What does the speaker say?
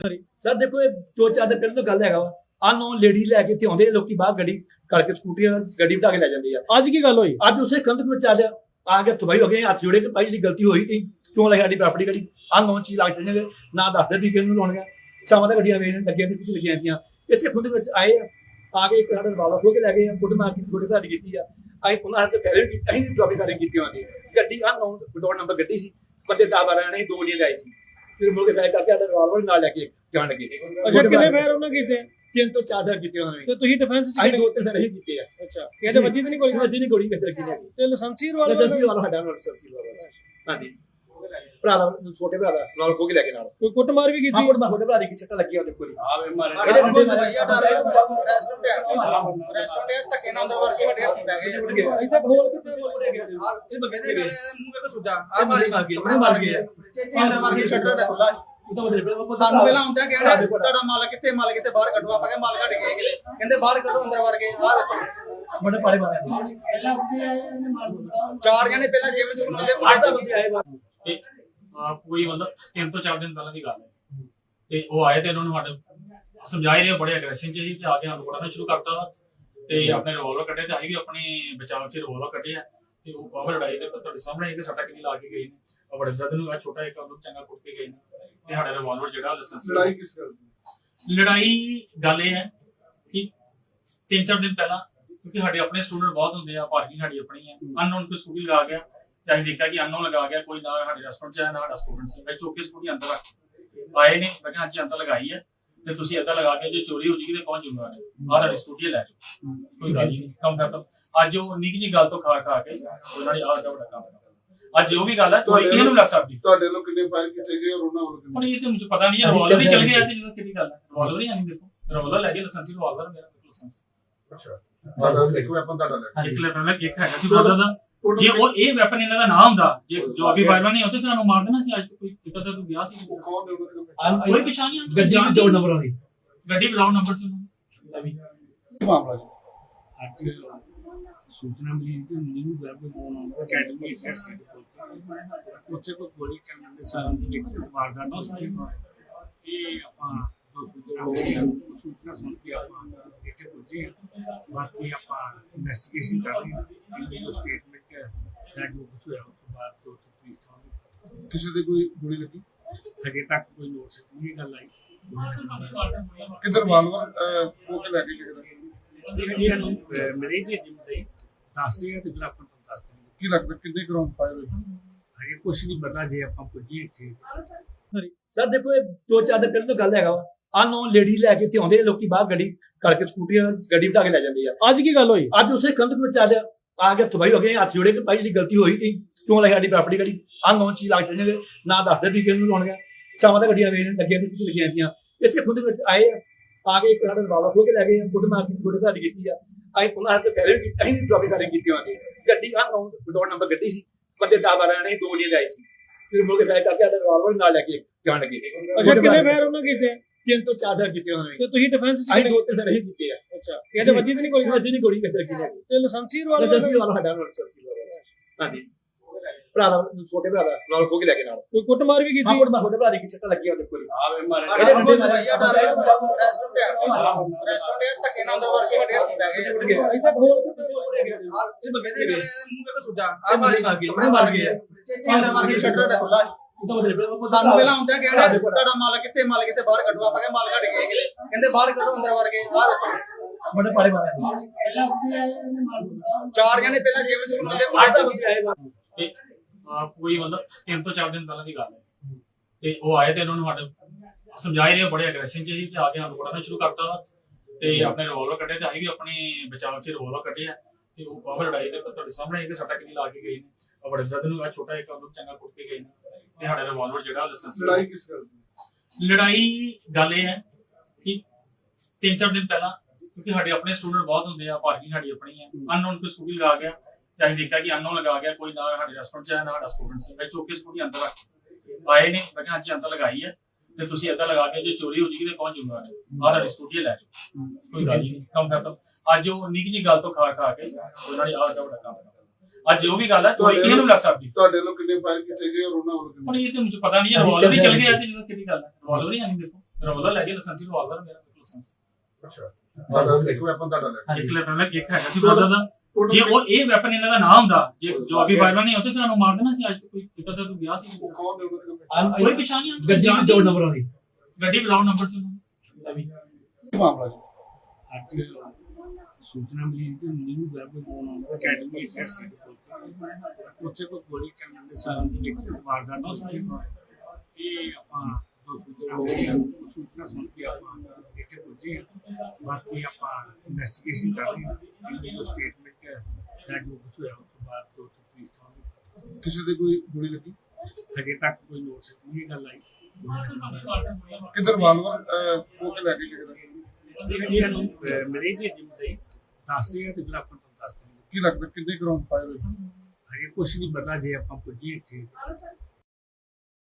Sir ਦੇਖੋ, ਇਹ 2-4 ਦਿਨ ਪਹਿਲਾਂ ਤੋਂ ਗੱਲ ਹੈਗਾ ਵਾ। ਅਨਨੋਨ ਲੇਡੀ ਲੈ ਕੇ ਇੱਥੇ ਆਉਂਦੇ ਆ ਲੋਕੀ, ਬਾਹਰ ਗੱਡੀ ਕਰਕੇ ਸਕੂਟੀਆਂ ਗੱਡੀ ਬਿਠਾ ਕੇ ਲੈ ਜਾਂਦੇ ਆ। ਅੱਜ ਕੀ ਗੱਲ ਹੋਈ? ਅੱਜ ਉਸੇ ਕੰਧ ਵਿੱਚ ਚੱਲਿਆ ਆ ਕੇ ਤਬਾਈ ਹੋ ਗਏ, ਹੱਥ ਜੋੜੇ ਕਿ ਭਾਈ ਦੀ ਗਲਤੀ ਹੋਈ ਨਹੀਂ, ਕਿਉਂ ਲੈ ਸਾਡੀ ਪ੍ਰਾਪਰਟੀ ਗੱਡੀ ਅਨਨੋਨ ਚੀਜ਼ ਲੱਗ ਜਾਂਦੇ ਨਾ ਦੱਸਦੇ ਵੀ ਕਿਹਨੂੰ ਲਾਉਣੀਆਂ। ਸ਼ਾਮਾਂ ਦਾ ਗੱਡੀਆਂ ਵੇਚ ਲੱਗੀਆਂ ਨੇ, ਕਿੱਥੇ ਲੱਗੀਆਂ ਜਾਂਦੀਆਂ। ਇਸੇ ਖੁਦ ਵਿੱਚ ਆਏ ਆ ਕੇ ਇੱਕ ਸਾਡੇ ਵਾਲਾ ਖੋ ਕੇ ਲੈ ਗਏ ਆ, ਫੁੱਟ ਮਾਰ ਕੇ ਥੋੜੇ ਘਰ ਕੀਤੀ ਆ। ਅਸੀਂ ਉਹਨਾਂ ਨੇ ਪਹਿਲੇ ਵੀ ਅਸੀਂ ਵੀ ਜੋਬੀ ਕਰੇ ਕੀਤੀ ਹੋਣੀ। ਗੱਡੀ ਅਨਨੋਨ ਵਿਦਆਊਟ ਨੰਬਰ ਗੱਡੀ ਸੀ, ਬੰਦੇ 10-12 ਨੇ, 2 ਲਾਏ ਸੀ। ਫਿਰ ਮੁੜ ਕੇ ਬੈਕ ਕਰਕੇ ਸਾਡਾ ਰਿਵਾਲਵਰ ਨਾਲ ਲੈ ਕੇ ਜਾਣ ਲੱਗੇ। ਅੱਛਾ, ਕਿੰਨੇ ਫੇਰ ਉਹਨਾਂ ਕੀਤੇ? 3 ਤੋਂ 4 ਫੇਰ ਕੀਤੇ ਉਹਨਾਂ ਨੇ। ਤੇ ਤੁਸੀਂ ਡਿਫੈਂਸ ਚ ਅਸੀਂ 2-3 ਫੇਰ ਹੀ ਕੀਤੇ ਆ। ਅੱਛਾ, ਕਿਹਦੇ ਵੱਜੀ ਤੇ ਨਹੀਂ ਕੋਈ? ਵੱਜੀ ਨਹੀਂ, ਗੋਲੀ ਕਿੱਥੇ ਲੱਗੀ ਨਹੀਂ। ਤੇ ਲਾਇਸੈਂਸੀ ਵਾਲਾ ਸਾਡਾ ਲਾਇਸੈਂਸੀ ਵਾਲਾ। ਹਾਂਜੀ, ਭਰਾ ਦਾ, ਛੋਟੇ ਭਰਾ ਦਾ ਨਾਲ ਖੋ ਕੇ ਲੈ ਕੇ ਨਾਲ ਕੋਈ ਕੁੱਟਮਾਰ ਵੀ ਕੀਤੀ? ਛੋਟੇ ਭਰਾ ਦੀ ਛੱਟਾ ਲੱਗੀ ਉਹਦੇ ਕੋਲ। ਇਹਦੇ ਬੰਦੇ ਧੱਕੇ ਨਾਲ ਅੰਦਰ ਵੜ ਕੇ ਸਾਡੇ ਹੱਥੀ ਪੈ ਗਏ। ਇੱਥੇ ਖੋਲ ਕਿੱਥੇ ਇਹ ਬੰਦੇ ਦੇ ਮੂੰਹ ਵੇਖ ਸੁਜਾ ਆ ਮਾਰ ਗਏ, ਆਪਣੇ ਮਾਰ ਗਏ। ਚੇਚੇ ਅੰਦਰ ਵੜ ਕੇ ਸ਼ਟਰ ਖੁੱਲਾ। ਤੁਹਾਨੂੰ ਪਹਿਲਾਂ ਆਉਂਦਾ ਕਿਹੜਾ ਤੁਹਾਡਾ ਮਾਲ ਕਿੱਥੇ ਬਾਹਰ ਕੱਢੋ। ਆਪਾਂ ਕਹਿੰਦੇ ਮਾਲ ਕੱਢ ਕੇ ਗਏ, ਕਹਿੰਦੇ ਬਾਹਰ ਕੱਢੋ, ਅੰਦਰ ਵੜ ਕੇ ਆ ਵੇਖੋ ਬੜੇ ਪਾਲੇ ਮਾਰੇ। 4 ਜਣੇ ਪਹਿਲਾਂ ਜੇਬ ਚ ਬੰਦੇ ਬੰਦੇ ਆਏ ਤੇ ਕੋਈ ਮਤਲਬ 3 ਤੋਂ 4 ਦਿਨ ਪਹਿਲਾਂ ਦੀ ਗੱਲ ਹੈ। ਤੇ ਉਹ ਆਏ ਤੇ ਉਹਨਾਂ ਨੂੰ ਸਾਡੇ ਸਮਝਾਏ ਰਹੇ, ਬੜੇ ਐਗਰੈਸ਼ਨ ਚ ਸੀ ਤੇ ਆ ਕੇ ਸਾਨੂੰ ਬੜਾ ਸ਼ੁਰੂ ਕਰਤਾ ਤੇ ਆਪਣੇ ਰਿਵਾਲਵਰ ਕੱਢੇ ਤੇ ਅਸੀਂ ਵੀ ਆਪਣੇ ਬਚਾਅ ਚ ਰਿਵਾਲਵਰ ਕੱਢਿਆ ਤੇ ਉਹ ਬਾਬਾ ਲੜਾਈ ਦੇ ਤੁਹਾਡੇ ਸਾਹਮਣੇ ਇੱਕ ਸੱਟਾ ਕਿੰਨੀ ਲਾ ਕੇ ਗਏ ਨੇ। ਉਹ ਬੜੇ ਦਰਦ ਨੂੰ ਆ ਛੋਟਾ ਇੱਕ ਉਹਨੂੰ ਚੰਗਾ ਕੁੱਟ ਕੇ ਗਏ ਨੇ ਤੇ ਸਾਡਾ ਰਿਵਾਲਵਰ ਜਿਹੜਾ ਲਾਇਸੈਂਸ। ਲੜਾਈ ਕਿਸ ਗੱਲ ਦੀ? ਲੜਾਈ ਗੱਲ ਇਹ ਹੈ ਕਿ 3-4 ਦਿਨ ਪਹਿਲਾਂ, ਕਿਉਂਕਿ ਸਾਡੇ ਆਪਣੇ ਸਟੂਡੈਂਟ ਬਹੁਤ ਹੁੰਦੇ ਆ, ਪਾਰਕਿੰਗ ਸਾਡੀ ਆਪਣੀ ਹੈ। ਅਨਨੋਨ ਕੋਈ ਸਕੂਟੀ ਲਗਾ ਗਿਆ ਤੇ ਅਸੀਂ ਦੇਖਿਆ ਕਿ ਅਨਨੋਨ ਲਗਾ ਗਿਆ, ਕੋਈ ਨਾ ਸਾਡੇ ਰੈਸਟੋਰੈਂਟ ਚ ਹੈ ਨਾ ਸਾਡਾ ਸਟੂਡੈਂਟ ਸੀ। ਮੈਂ ਚੌਕੇ ਸਕੂਟੀ ਅੰਦਰ ਆਏ ਨੇ, ਮੈਂ ਕਿਹਾ ਹਾਂਜੀ ਅੰਦਰ ਲਗਾਈ ਹੈ ਤੇ ਤੁਸੀਂ ਏਦਾਂ ਲਗਾ ਕੇ ਜੇ ਚੋਰੀ ਹੋ ਜੂਗੀ ਤੇ ਕੌਣ ਜ਼ਿੰਮੇਵਾਰ ਹੈ? ਆਹ ਸਾਡੀ ਸਕੂਟੀ ਲੈ ਜਾਓ, ਕੋਈ ਗੱਲ ਹੀ ਨਹੀਂ, ਕੰਮ ਖਤਮ। ਅੱਜ ਉਹ ਨਿੱਕੀ ਜਿਹੀ ਗੱਲ ਤੋਂ ਖਾ ਕੇ ਉਹਨਾਂ ਨੇ ਆਹ ਦਾ ਵੱਡਾ ਕੰਮ। ਅੱਜ ਜੋ ਵੀ ਗੱਲ ਹੈ ਕੋਈ ਕਿਸੇ ਨੂੰ ਲੱਗ ਸਕਦੀ। ਤੁਹਾਡੇ ਲੋਕ ਕਿੰਨੇ ਫਾਇਰ ਕੀਤੇ ਗਏ ਔਰ ਉਹਨਾਂ ਵੱਲੋਂ ਕਿੰਨੇ? ਹੁਣ ਇਹ ਤੇ ਮੈਨੂੰ ਪਤਾ ਨਹੀਂ, ਰਿਵਾਲਵਰ ਹੀ ਚੱਲ ਗਿਆ ਤੇ ਜਦੋਂ ਕਿਹੜੀ ਗੱਲ ਹੈ, ਰਿਵਾਲਵਰ ਹੀ ਆਣੀ। ਦੇਖੋ ਰਿਵਾਲਵਰ ਲੈ ਕੇ ਲਾਇਸੈਂਸ ਰਿਵਾਲਵਰ ਮੇਰਾ ਲਾਇਸੈਂਸ। ਅੱਛਾ, ਤੁਹਾਡਾ ਇੱਕ ਵੈਪਨ ਤੁਹਾਡਾ ਲੈ ਇੱਕ ਲੈਪਨ ਇੱਕ ਹੈਗਾ ਸੀ ਬ੍ਰਦਰ ਦਾ। ਜੇ ਉਹ ਇਹ ਵੈਪਨ ਇਹਨਾਂ ਦਾ ਨਾ ਹੁੰਦਾ, ਜੇ ਜਵਾਬੀ ਫਾਇਰਮੈਨ ਨਹੀਂ ਹੁੰਦੇ ਫਿਰ ਉਹਨੂੰ ਮਾਰ ਦੇਣਾ ਸੀ। ਅੱਜ ਕੋਈ ਦਿੱਕਤ ਤਾਂ ਤੂੰ ਗਿਆ ਸੀ, ਉਹ ਕੌਣ ਨੇ ਉਹਨਾਂ ਦੇ? ਕੋਈ ਪਛਾਣ ਨਹੀਂ। ਗੱਡੀ ਵੀ 2 ਨੰਬਰ ਵਾਲੀ ਗੱਡੀ ਵਿਦਾਊਟ ਨੰਬਰ ਸੀ ਉਹਨਾਂ ਦੀ। ਕੀ ਮਾਮਲਾ ਜੀ? ਅੱਜ ਸੂਚਨਾ ਮਿਲੀ ਕਿ ਨਿਊ ਵੈਬ ਅਕੈਡਮੀ ਐਸਐਸ ਉੱਥੇ ਕੋਈ ਗੋਲੀ ਚੱਲਣ ਦੇ ਸੰਬੰਧੀ ਇੱਕ ਵਾਰਦਾਤ ਹੋਈ। ਇਹ ਆਪਾਂ ਸੂਚਨਾ ਸੁਣ ਕੇ ਆਪਾਂ ਇੱਥੇ ਪਹੁੰਚੇ ਹਾਂ। ਬਾਕੀ ਆਪਾਂ ਇਨਵੈਸਟੀਗੇਸ਼ਨ ਕਰ ਰਹੇ ਹਾਂ। ਇਹਦੀ ਸਟੇਟਮੈਂਟ ਦਾ ਜੋ ਕੁਝ ਹੋਇਆ ਉਸ ਤੋਂ ਬਾਅਦ ਜੋ ਤਫਤੀਸ਼ ਕਿਸੇ ਦੇ ਕੋਈ ਗੋਲੀ ਲੱਗੀ? ਹਜੇ ਤੱਕ ਕੋਈ ਨੋਟਿਸ ਨਹੀਂ ਗੱਲ ਆਈ। ਕਿਧਰ ਵਾਲਵਰ ਉਹ ਕੇ ਲੈ ਕੇ ਗਏ? ਇਹ ਨੂੰ ਮੇਰੇ ਜੀ ਜਿੰਦੇ ਦੱਸਦੇ ਆ ਤੇ ਫਿਰ ਆਪਾਂ ਤੁਹਾਨੂੰ ਦੱਸਦੇ ਹਾਂ। ਕੀ ਲੱਗਦਾ ਕਿੰਨੇ ਗਰਾਊਂਡ ਫਾਇਰ ਹੋਏ? ਹਜੇ ਕੁਛ ਨਹੀਂ ਪਤਾ, ਜੇ ਆਪਾਂ ਪੁੱਜੀਏ ਇੱਥੇ। ਸਰ ਦੇਖੋ, ਇਹ 2-4 ਦਿਨ ਪਹਿਲਾਂ ਤੋਂ ਗੱਲ ਹੈਗਾ ਵਾ। ਅਨਨੋਨ ਲੇਡੀ ਲੈ ਕੇ ਇੱਥੇ ਆਉਂਦੇ ਆ ਲੋਕੀ, ਬਾਹਰ ਗੱਡੀ ਕਰਕੇ ਸਕੂਟੀਆਂ ਗੱਡੀ ਬਿਠਾ ਕੇ ਲੈ ਜਾਂਦੇ ਆ। ਅੱਜ ਕੀ ਗੱਲ ਹੋਈ? ਅੱਜ ਉਸੇ ਕੰਧ ਵਿੱਚ ਚੱਲਿਆ ਆ ਕੇ ਤਬਾਈ ਹੋ ਗਏ, ਹੱਥ ਜੋੜੇ ਕਿ ਭਾਈ ਦੀ ਗਲਤੀ ਹੋਈ ਨਹੀਂ, ਕਿਉਂ ਲੈ ਸਾਡੀ ਪ੍ਰਾਪਰਟੀ ਗੱਡੀ ਅਨਨੋਨ ਚੀਜ਼ ਲੱਗ ਜਾਂਦੇ ਨਾ ਦੱਸਦੇ ਵੀ ਕਿਹਨੂੰ ਲਾਉਣੀਆਂ। ਸ਼ਾਮਾਂ ਦਾ ਗੱਡੀਆਂ ਵੇਚ ਲੱਗੀਆਂ ਨੇ, ਕਿੱਥੇ ਲੱਗੀਆਂ ਜਾਂਦੀਆਂ। ਇਸੇ ਖੁਦ ਵਿੱਚ ਆਏ ਆ ਕੇ ਇੱਕ ਸਾਡੇ ਵਾਲਾ ਖੋ ਕੇ ਲੈ ਗਏ ਆ, ਫੁੱਟ ਮਾਰ ਕੇ ਥੋੜੇ ਘਰ ਕੀਤੀ ਆ। ਅਸੀਂ ਉਹਨਾਂ ਨੇ ਪਹਿਲੇ ਵੀ ਅਸੀਂ ਵੀ ਜੋਬੀ ਕਰੇ ਕੀਤੀ ਹੋਣੀ। ਗੱਡੀ ਅਨਨੋਨ ਵਿਦਆਊਟ ਨੰਬਰ ਗੱਡੀ ਸੀ, ਬੰਦੇ 10-12 ਨੇ, 2 ਲਾਏ ਸੀ। ਫਿਰ ਮੁੜ ਕੇ ਬੈਕ ਕਰਕੇ ਸਾਡਾ ਰਿਵਾਲਵਰ ਨਾਲ ਲੈ ਕੇ ਜਾਣ ਲੱਗੇ। ਅੱਛਾ, ਕਿੰਨੇ ਫੇਰ ਉਹਨਾਂ ਕੀਤੇ? 3 ਤੋਂ 4 ਫੇਰ ਕੀਤੇ ਉਹਨਾਂ ਨੇ। ਤੇ ਤੁਸੀਂ ਡਿਫੈਂਸ ਚ ਅਸੀਂ 2-3 ਫੇਰ ਹੀ ਕੀਤੇ ਆ। ਅੱਛਾ, ਕਿਹਦੇ ਵੱਜੀ ਤੇ ਨਹੀਂ ਕੋਈ? ਵੱਜੀ ਨਹੀਂ, ਗੋਲੀ ਕਿੱਥੇ ਲੱਗੀ ਨਹੀਂ। ਤੇ ਲਾਇਸੈਂਸੀ ਵਾਲਾ ਸਾਡਾ ਲਾਇਸੈਂਸੀ ਵਾਲਾ। ਹਾਂਜੀ, ਭਰਾ ਦਾ, ਛੋਟੇ ਭਰਾ ਦਾ ਨਾਲ ਖੋ ਕੇ ਲੈ ਕੇ ਨਾਲ ਕੋਈ ਕੁੱਟਮਾਰ ਵੀ ਕੀਤੀ? ਛੋਟੇ ਭਰਾ ਦੀ ਛੱਟਾ ਲੱਗੀ ਉਹਦੇ ਕੋਲ। ਇਹਦੇ ਬੰਦੇ ਧੱਕੇ ਨਾਲ ਅੰਦਰ ਵੜ ਕੇ ਸਾਡੇ ਹੱਥੀ ਪੈ ਗਏ। ਇੱਥੇ ਖੋਲ ਕਿੱਥੇ ਇਹ ਬੰਦੇ ਦੇ ਮੂੰਹ ਵੇਖ ਸੁਜਾ ਆ ਮਾਰ ਗਏ, ਆਪਣੇ ਮਾਰ ਗਏ। ਚੇਚੇ ਅੰਦਰ ਵੜ ਕੇ ਸ਼ਟਰ ਖੁੱਲਾ। ਤੁਹਾਨੂੰ ਪਹਿਲਾਂ ਆਉਂਦਾ ਕਿਹੜਾ ਤੁਹਾਡਾ ਮਾਲ ਕਿੱਥੇ ਬਾਹਰ ਕੱਢੋ। ਆਪਾਂ ਕਹਿੰਦੇ ਮਾਲ ਕੱਢ ਕੇ ਗਏ, ਕਹਿੰਦੇ ਬਾਹਰ ਕੱਢੋ, ਅੰਦਰ ਵੜ ਕੇ ਆ ਵੇਖੋ ਬੜੇ ਪਾਲੇ ਮਾਰੇ। 4 ਜਣੇ ਪਹਿਲਾਂ ਜੇਬ ਚ ਬੰਦੇ ਤੇ ਕੋਈ ਮਤਲਬ 3 ਤੋਂ 4 ਦਿਨ ਪਹਿਲਾਂ ਦੀ ਗੱਲ ਹੈ। ਤੇ ਉਹ ਆਏ ਤੇ ਉਹਨਾਂ ਨੂੰ ਸਾਡੇ ਸਮਝਾਏ ਰਹੇ, ਬੜੇ ਐਗਰੈਸ਼ਨ ਚ ਸੀ ਤੇ ਆ ਕੇ ਸਾਨੂੰ ਬੜਾ ਸ਼ੁਰੂ ਕਰਤਾ ਤੇ ਆਪਣੇ ਰਿਵਾਲਵਰ ਕੱਢੇ ਤੇ ਅਸੀਂ ਵੀ ਆਪਣੇ ਬਚਾਅ ਚ ਰਿਵਾਲਵਰ ਕੱਢਿਆ ਤੇ ਉਹ ਬਾਬਾ ਲੜਾਈ ਦੇ ਤੁਹਾਡੇ ਸਾਹਮਣੇ ਇੱਕ ਸੱਟਾ ਕਿੰਨੀ ਲਾ ਕੇ ਗਏ ਨੇ। ਉਹ ਬੜੇ ਦਰਦ ਨੂੰ ਆ ਛੋਟਾ ਇੱਕ ਉਹਨੂੰ ਚੰਗਾ ਕੁੱਟ ਕੇ ਗਏ ਨੇ ਤੇ ਸਾਡਾ ਰਿਵਾਲਵਰ ਜਿਹੜਾ ਲਾਇਸੈਂਸ। ਲੜਾਈ ਕਿਸ ਗੱਲ ਦੀ? ਲੜਾਈ ਗੱਲ ਇਹ ਹੈ ਕਿ 3-4 ਦਿਨ ਪਹਿਲਾਂ, ਕਿਉਂਕਿ ਸਾਡੇ ਆਪਣੇ ਸਟੂਡੈਂਟ ਬਹੁਤ ਹੁੰਦੇ ਆ, ਪਾਰਕਿੰਗ ਸਾਡੀ ਆਪਣੀ ਹੈ। ਅਨਨੋਨ ਕੋਈ ਸਕੂਟੀ ਲਗਾ ਗਿਆ ਤੇ ਅਸੀਂ ਦੇਖਿਆ ਕਿ ਅਨਨੋਨ ਲਗਾ ਗਿਆ, ਕੋਈ ਨਾ ਸਾਡੇ ਰੈਸਟੋਰੈਂਟ ਚ ਹੈ ਨਾ ਸਾਡਾ ਸਟੂਡੈਂਟ ਸੀ। ਮੈਂ ਚੌਕੇ ਸਕੂਟੀ ਅੰਦਰ ਆਏ ਨੇ, ਮੈਂ ਕਿਹਾ ਹਾਂਜੀ ਅੰਦਰ ਲਗਾਈ ਹੈ ਤੇ ਤੁਸੀਂ ਏਦਾਂ ਲਗਾ ਕੇ ਜੇ ਚੋਰੀ ਹੋ ਜੂਗੀ ਤੇ ਕੌਣ ਜ਼ਿੰਮੇਵਾਰ ਹੈ? ਆਹ ਸਾਡੀ ਸਕੂਟੀ ਲੈ ਜਾਓ, ਕੋਈ ਗੱਲ ਹੀ ਨਹੀਂ, ਕੰਮ ਖਤਮ। ਅੱਜ ਉਹ ਨਿੱਕੀ ਜਿਹੀ ਗੱਲ ਤੋਂ ਖਾ ਕੇ ਉਹਨਾਂ ਨੇ ਆਹ ਦਾ ਵੱਡਾ ਕੰਮ। ਅੱਜ ਜੋ ਵੀ ਗੱਲ ਹੈ ਕੋਈ ਕਿਸੇ ਨੂੰ ਲੱਗ ਸਕਦੀ। ਤੁਹਾਡੇ ਲੋਕ ਕਿੰਨੇ ਫਾਇਰ ਕੀਤੇ ਗਏ ਔਰ ਉਹਨਾਂ ਵੱਲੋਂ ਹੁਣ ਕਿੰਨੇ? ਇਹ ਤੇ ਮੈਨੂੰ ਪਤਾ ਨਹੀਂ, ਰਿਵਾਲਵਰ ਹੀ ਚੱਲ ਗਿਆ ਤੇ ਜਦੋਂ ਕਿਹੜੀ ਗੱਲ ਹੈ, ਰਿਵਾਲਵਰ ਹੀ ਆਣੀ। ਦੇਖੋ ਰਵਲਾ ਲੈ ਕੇ ਲਾਇਸੈਂਸ ਰਿਵਾਲਵਰ ਮੇਰਾ ਲਾਇਸੈਂਸ ਅੱਛਾ ਤੁਹਾਡਾ ਇੱਕ ਵੈਪਨ ਤੁਹਾਡਾ ਲੈ ਇੱਕ ਲੈਪਟਾਪ ਇੱਕ ਹੈਗਾ ਸੀ ਬ੍ਰਦਰ ਦਾ ਜੇ ਉਹ ਇਹ ਵੈਪਨ ਇਹਨਾਂ ਦਾ ਨਾ ਹੁੰਦਾ ਜੇ ਜੋ ਅਭੀ ਵਾਇਰਲ ਨਹੀਂ ਹੁੰਦੇ ਫਿਰ ਉਹਨੂੰ ਮਾਰ ਦੇਣਾ ਸੀ ਅੱਜ ਕੋਈ ਕਿਤਾ ਤਾਂ ਤੂੰ ਗਿਆ ਸੀ ਉਹ ਕੌਣ ਨੇ ਉਹਨਾਂ ਦੇ ਕੋਈ ਪਛਾਣ ਨਹੀਂ ਗੱਡੀ ਵੀ ਦੋ ਨੰਬਰਾਂ ਦੀ ਗੱਡੀ ਵਿਦਾਊਟ ਨੰਬਰ ਸੀ ਉਹਨਾਂ ਦੀ। ਕੀ ਮਾਮਲਾ ਜੀ ਅੱਜ ਸੂਚਨਾ ਮਿਲੀ ਕਿ ਨਿਊ ਵੈਬ ਅਕੈਡਮੀ ਐਸਐਸ ਉੱਥੇ ਕੋਈ ਗੋਲੀ ਚੱਲਣ ਦੇ ਸੰਬੰਧ ਵਿੱਚ ਵਾਰਦਾਤ ਹੋਈ ਇਹ ਆਪਾਂ ਸੂਚਨਾ ਸੁਣ ਕੇ ਆਪਾਂ ਇੱਥੇ ਪਹੁੰਚੇ ਹਾਂ। ਬਾਕੀ ਆਪਾਂ ਇਨਵੈਸਟੀਗੇਸ਼ਨ ਕਰ ਰਹੇ ਹਾਂ ਇਹਦੀ ਜੋ ਸਟੇਟਮੈਂਟ ਹੈ ਜਾਂ ਜੋ ਕੁਛ ਹੋਇਆ ਉਸ ਤੋਂ ਬਾਅਦ ਜੋ ਤਫਤੀਸ਼ ਹੋਵੇਗੀ। ਕਿਸੇ ਦੇ ਕੋਈ ਗੋਲੀ ਲੱਗੀ ਹਜੇ ਤੱਕ ਕੋਈ ਨੋਟਿਸ ਨਹੀਂ ਗੱਲ ਆਈ ਕਿਧਰ ਵਾਲਵਰ ਉਹ ਕੇ ਲੈ ਕੇ ਗਏ ਨੇ? ਇਹ ਨੂੰ ਮਿਲੇ ਜੀ ਜਿੰਦੇ ਦੱਸਦੇ ਆ ਤੇ ਫਿਰ ਆਪਾਂ ਤੁਹਾਨੂੰ ਦੱਸਦੇ ਹਾਂ। ਕੀ ਲੱਗਦਾ ਕਿੰਨੇ ਗਰਾਊਂਡ ਫਾਇਰ ਹੋਏ ਹਜੇ ਕੁਛ ਨਹੀਂ ਪਤਾ ਜੇ ਆਪਾਂ ਪੁੱਜੀਏ ਇੱਥੇ